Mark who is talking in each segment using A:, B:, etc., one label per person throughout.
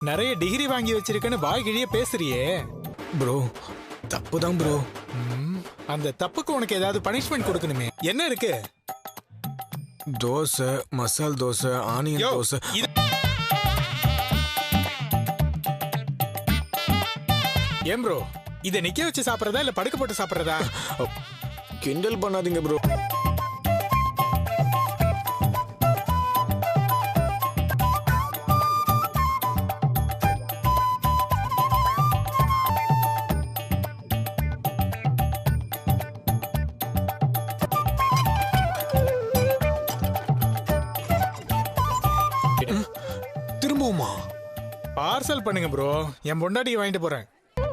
A: நிறைய டிகிரி வாங்கி வச்சிருக்கேன்னு வாய் கிழிய பேசுறியே.
B: ப்ரோ தப்புதான் ப்ரோ.
A: அந்த தப்புக்கு உனக்கு ஏதாவது பனிஷ்மெண்ட் கொடுக்கணுமே. என்ன இருக்கு?
B: தோசை, மசால் தோசை, ஆனியன் தோசை.
A: ஏன் ப்ரோ, இதை நிக்க வச்சு சாப்பிடறதா இல்ல படுக்க போட்டு சாப்பிடறதா?
B: கிண்டல் பண்ணாதீங்க ப்ரோ.
A: திரும்பவுமா? பார்சல் பண்ணுங்க ப்ரோ, என் பொண்டாட்டியை வாங்கிட்டு போறேன்.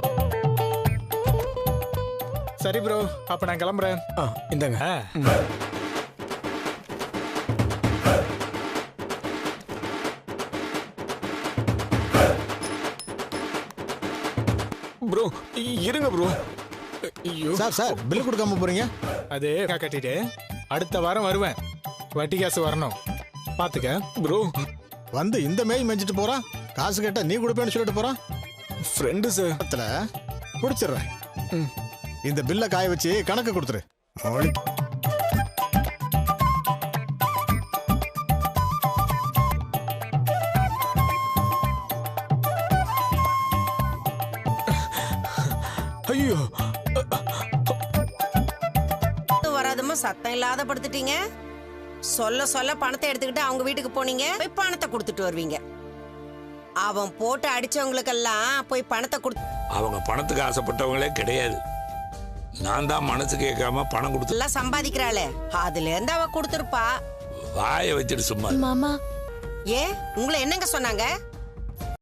A: சரி ப்ரோ, அப்ப நான் கிளம்புறேன்.
B: இந்தாங்க. ப்ரோ இருங்க ப்ரோ. ஐயோ
C: சார் பில் கொடுக்காம போறீங்க?
A: அது கட்டிட்டு அடுத்த வாரம் வருவேன். வட்டி காசு வரணும், பாத்துக்க.
B: ப்ரோ
C: வந்து இந்த மேய் மெஞ்சிட்டு போறான், காசு கேட்டா நீ கொடுப்பேன்னு சொல்லிட்டு போறான்.
B: Friend sir.
C: பிடிச்சிடுறேன். இந்த பில்லை காய வச்சு கணக்கு கொடுத்துரு.
B: ஐயோ
D: வராதமா சத்தம் இல்லாத படுத்துட்டீங்க. சொல்ல சொல்ல பணத்தை எடுத்துக்கிட்டு அவங்க வீட்டுக்கு போனீங்க, போய் பணத்தை கொடுத்துட்டு வருவீங்க. அவன் போட்டு அடிச்சவங்களுக்கெல்லாம் போய் பணத்தை கொடுத்து.
E: அவங்க பணத்துக்கு ஆசைப்பட்டவங்களே கிடையாது. நான் தான் மனசு கேட்காம பணம் கொடுத்து
D: எல்லாம் சம்பாதிக்கிறாளே, அதுல இருந்து அவ கொடுத்துருப்பா.
E: வாயை வச்சுட்டு சும்மா.
F: மாமா
D: ஏன் உங்களை என்னங்க சொன்னாங்க?